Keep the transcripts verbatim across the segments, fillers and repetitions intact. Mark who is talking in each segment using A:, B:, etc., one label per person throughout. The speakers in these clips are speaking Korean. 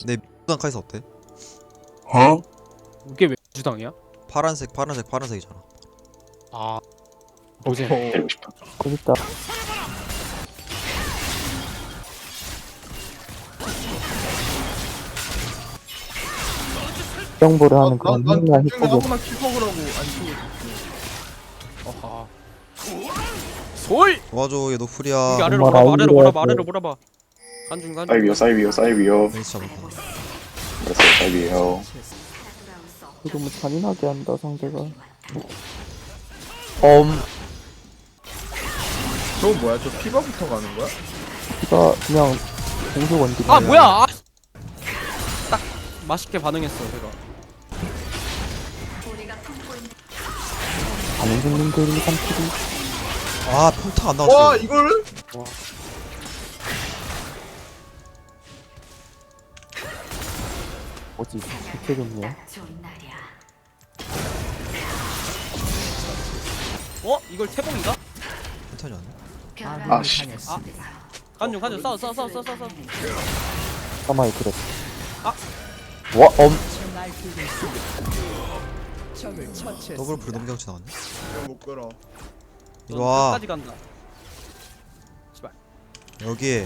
A: 내 X당 카이사 어때?
B: 어?
C: 이게 왜 주당이야?
A: 파란색 파란색 파란색이잖아.
C: 아 노잼.
B: 때리고 싶다.
D: 재밌다. 정보를 하는 그런
E: 난
D: 흥미한
E: 둘 중에
D: 힙합이
E: 하나만 킬 먹으라고 안 치고
C: 어하. 솔!
A: 도와줘 얘 노플이야.
C: 여기 아래로
D: 정말
C: 몰아봐 아래로 몰아봐
D: 아이디어야,
C: 아래로 몰아봐. 간중 간중.
B: 사이비요, 사이비요, 사이비요.
A: 베이스 잡았다.
B: 알았어요, 사이비요.
D: 너무 잔인하게 한다 상대가.
A: 엄
E: 저거 뭐야? 저 피바부터 가는 거야?
D: 피가 그냥 공수 원딜.
C: 아 뭐야? 아! 딱 맛있게 반응했어 제가.
D: 가는 중님들이 삼킬이.
A: 아 평타 안 나왔어.
E: 와 이거를?
D: 뭐지? 이렇게 좋네.
C: 어? 이걸 태봉인가?
A: 괜찮지 않나?
B: 아, 씨.
C: 아 간중 간중 싸워 싸워 싸워 싸워 싸워.
D: 사마이 그래.
C: 아.
D: 와 엄.
A: 더블 불 넘경치 나왔네.
E: 이거 못 끌어.
A: 이리 와.
C: 끝까지 간다. 씨발.
A: 여기에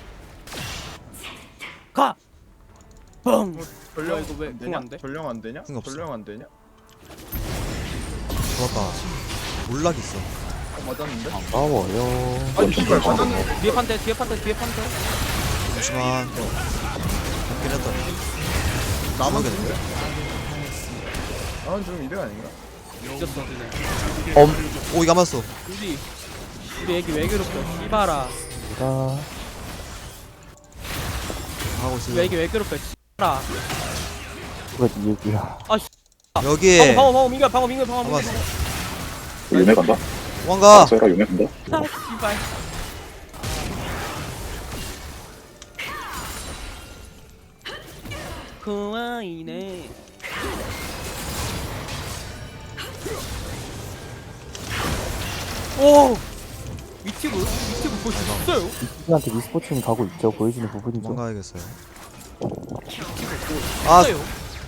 C: 가. 뻥.
E: 전령
C: 어, 이거 왜
E: 안
C: 궁
E: 되냐?
C: 안 돼?
E: 전령 안 되냐?
A: 궁 없어.
E: 전령 안 되냐?
A: 좋았다. 몰락 있어.
E: 어, 맞았는데?
D: 싸워요.
E: 아니 씨발 맞았는데?
C: 뒤에 판대 뒤에 판대 뒤에 판대.
A: 잠시만. 잡긴 했다.
E: 나만
A: 모르겠는데?
E: 죽네? 나만 죽으면 이득 아닌가?
C: 이겼어 니네.
D: 엄.
A: 오 이거 안 맞았어.
C: 우리 우리 애기 왜 괴롭혀? 씨발아.
D: 자
A: 하고 있어.
C: 우리 애기 왜 괴롭혀? 씨발아.
D: 누가 네 얘기야.
A: 여기에
C: 방어 방어 방어 민규 방어 민규 방어 민규.
A: 예. 잡았어.
B: 용해 간다?
A: 도망가.
B: 쇠라 용해 간다?
C: 아 씨발. 고아이네. 오! 위티브? 위티브 볼수 있어요?
D: 이한테 미스포츠는 가고 있죠. 보여지는 부분이죠.
A: 도망가야겠어요. 아,
C: 있어요?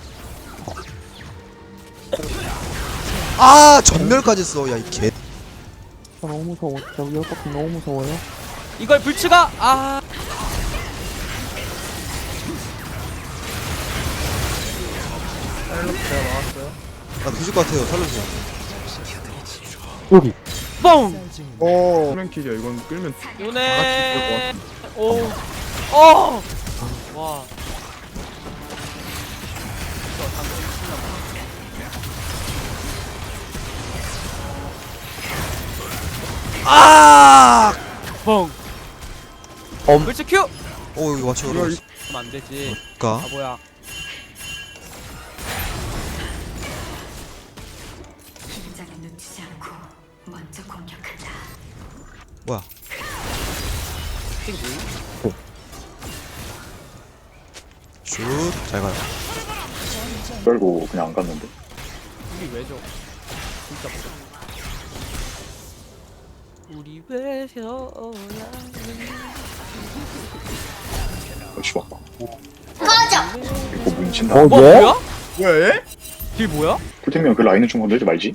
A: 아 전멸까지 써. 야 이 개.
D: 아, 너무 무서워. 진짜 위협받기 너무 무서워요.
C: 이걸 불츠가 아
E: 헬로프 제가 막았어요.
A: 나 뒤질 것 같아요. 살려주세요.
D: 여기.
C: 뻥!
E: 오 플랭킬이야 이건 끌면
C: 요네 오 어! 와
A: 아!
C: 뻥!
D: 엄.
C: 불츠 큐!
A: 오 이거 맞춰.
E: 이거
A: 그러면
C: 그럼 안 되지
A: 가.
C: 바보야
F: 긴장을 놓치지 않고 먼저 공격한다.
A: 뭐야?
C: 띵
A: 슛. 잘 가요.
B: 떨고 그냥 안 갔는데.
C: 우리 왜죠? 진짜 보자 우리 왜 져야
B: 어, 죽었다. 꺼져! 이거 뭉친다.
D: 어
C: 뭐
D: 예?
C: 뭐야?
E: 뭐야 얘?
C: 딜 뭐야?
B: 풀템이면 그 라인은 좀 건들지 말지.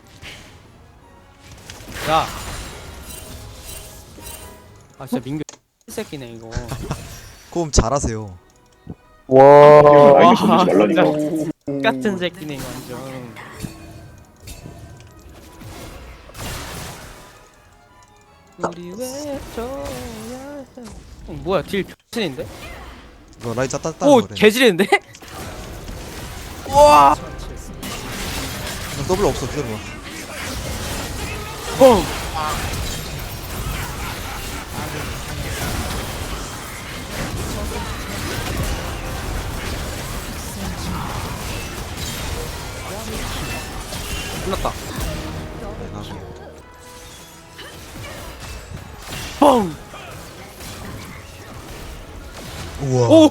C: 야. 아 진짜 민규 새끼네 이거.
A: 그럼 잘하세요.
D: 와.
B: 라인은 건들지 말라니까.
E: 오.
C: 같은 새끼네 이거 완전. 우리 왜 저야 해? 어, 뭐야 딜 병신인데?
A: 이거 라인 짰다
C: 오
A: 거래.
C: 개지리는데? 우와.
A: 나 더블 없어. 기다려봐.
C: 뻥. 끝났다.
A: 네, 나중에.
C: 뻥.
A: 우와.
C: 오.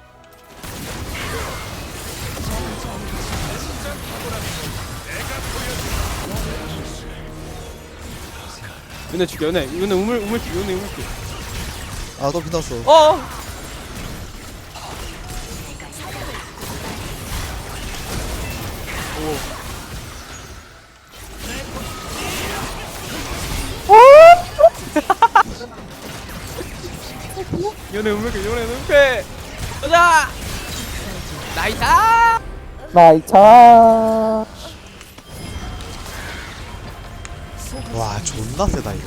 C: 연애 죽여 연애 연애 우물 우물 죽여 연애 우물 죽여.
A: 아너 빛났어.
C: 어. 요네 음메게 요네 음메게 가자 나이스
D: 나이차.
A: 와 존나 세다 이거.